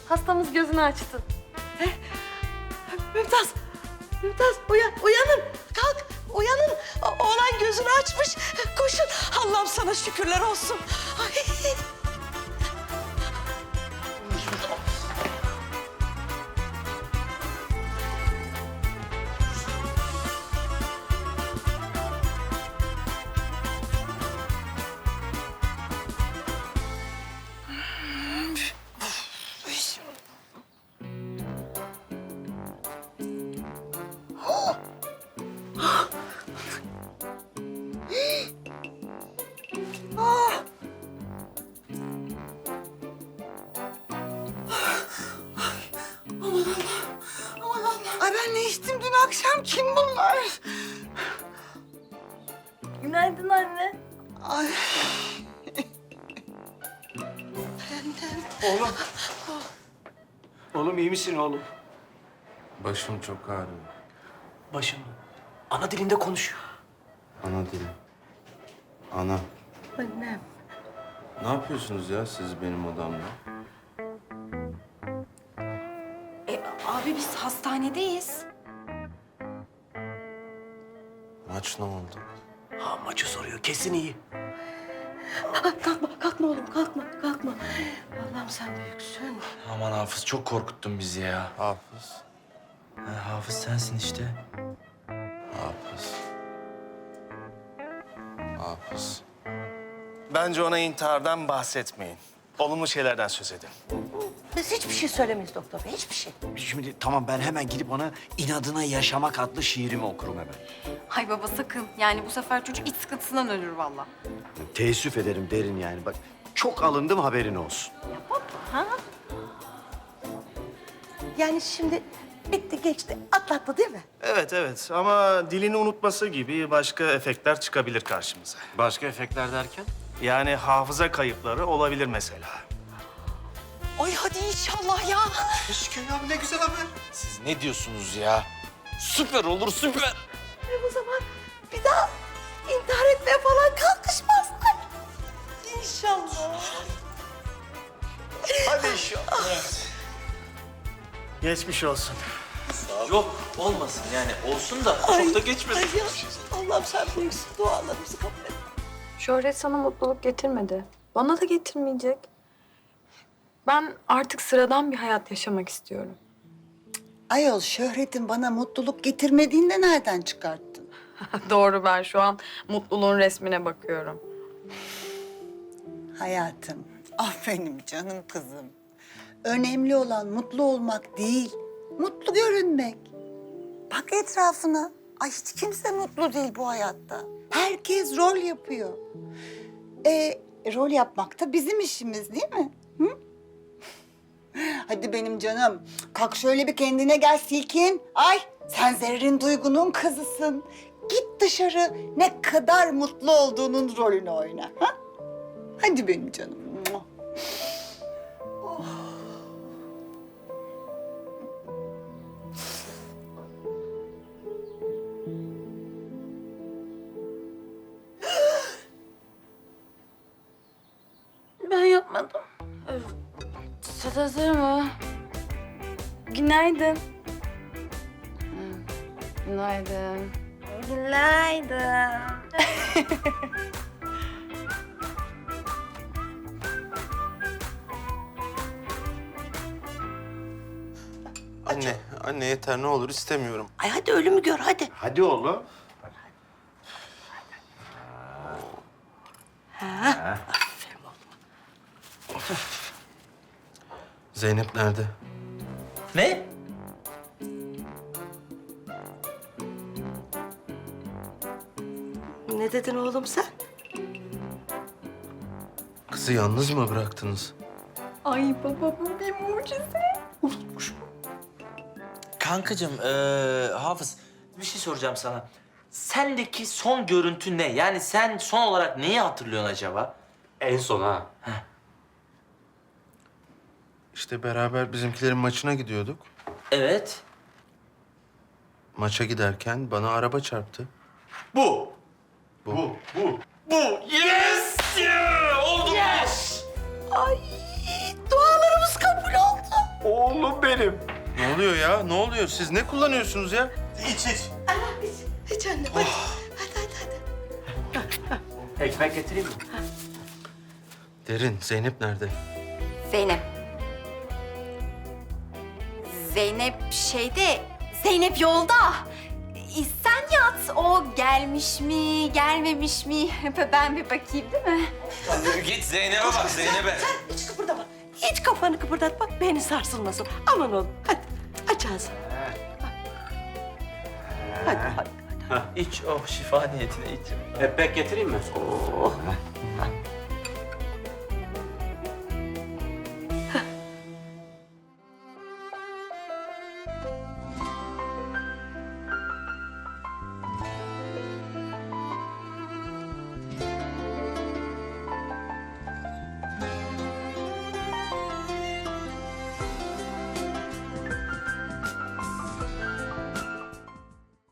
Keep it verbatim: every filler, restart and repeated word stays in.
Hastamız gözünü açtı. Mümtaz, Mümtaz uyan, uyanın. Kalk, uyanın. O- Oğlan gözünü açmış. Koşun. Allah'ım sana şükürler olsun. Ay. Aman Allah. Ay ben ne içtim dün akşam? Kim bunlar? Günaydın anne. Ay. Oğlum. Oğlum iyi misin oğlum? Başım çok ağrıyor. Başım. Ana dilinde konuşuyor. Ana dilim. Ana. Annem. Ne yapıyorsunuz ya siz benim odamda? E, abi biz hastanedeyiz. Maç ne oldu? Ha maçı soruyor. Kesin iyi. Kalkma, kalkma oğlum, kalkma, kalkma. Allah'ım sen büyüksün. Aman Hafız çok korkuttun bizi ya. Hafız. Ha, Hafız sensin işte. Hafız. Hafız. Bence ona intihardan bahsetmeyin. Olumlu şeylerden söz edin. Biz hiçbir şey söylemeyiz doktor bey, hiçbir şey. Şimdi tamam ben hemen gidip ona inadına yaşamak adlı şiirimi okurum hemen. Hay baba sakın. Yani bu sefer çocuk iç sıkıntısından ölür vallahi. Teessüf ederim derin yani. Bak çok alındım haberin olsun. Yani şimdi bitti geçti, atlattı değil mi? Evet evet ama dilini unutması gibi başka efektler çıkabilir karşımıza. Başka efektler derken? Yani hafıza kayıpları olabilir mesela. Ay hadi inşallah ya. Siz ne diyorsunuz ya? Süper olur süper. E o zaman bir daha intihar etmeye falan kalkışmazlar. İnşallah. Hadi inşallah. Geçmiş olsun. Yok olmasın yani olsun da Ay, çok da geçmesin. Ay ya, Allah'ım sen büyüksün, dualarımızı kabul et. Şöhret sana mutluluk getirmedi. Bana da getirmeyecek. Ben artık sıradan bir hayat yaşamak istiyorum. Ayol şöhretin bana mutluluk getirmediğini de nereden çıkarttın? Doğru, ben şu an mutluluğun resmine bakıyorum. Hayatım, ah benim canım kızım. Önemli olan mutlu olmak değil, mutlu görünmek. Bak etrafına. Ay hiç kimse mutlu değil bu hayatta. Herkes rol yapıyor. E, rol yapmak da bizim işimiz değil mi? Hı? Hadi benim canım, kalk şöyle bir kendine gel Silkin. Ay, sen Zerrin Duygu'nun kızısın. Git dışarı, ne kadar mutlu olduğunun rolünü oyna. Ha? Hadi benim canım. Ben yapmadım. Süt hazır mı? Günaydın. Günaydın. Günaydın. Anne, anne yeter ne olur istemiyorum. Ay hadi ölümü gör hadi. Hadi oğlum. Zeynep nerede? Ne? Ne dedin oğlum sen? Kızı yalnız mı bıraktınız? Ay baba, bu bir mucize. Kankacığım ee, Hafız bir şey soracağım sana. Sendeki son görüntü ne? Yani sen son olarak neyi hatırlıyorsun acaba? En son ha. İşte beraber bizimkilerin maçına gidiyorduk. Evet. Maça giderken bana araba çarptı. Bu. Bu. Bu. Yes! Yeah! Oldu mu? Ay dualarımız kabul oldu. Oğlum benim. Ne oluyor ya? Ne oluyor? Siz ne kullanıyorsunuz ya? İç iç. Hiç anne hadi. Hadi hadi hadi. Ekmek getireyim mi? Derin, Zeynep nerede? Zeynep. Zeynep şeyde, Zeynep yolda. E, Sen yat, o gelmiş mi, gelmemiş mi? Ben bir bakayım değil mi? Git Zeynep'e bak, Zeynep'e. Sen hiç kıpırdama. Hiç kafanı kıpırdatma. Beni sarsılmasın. Aman oğlum hadi. Aç ağzını. Hadi hadi. İç, oh şifa niyetine iç. Ekmek getireyim mi? Oh.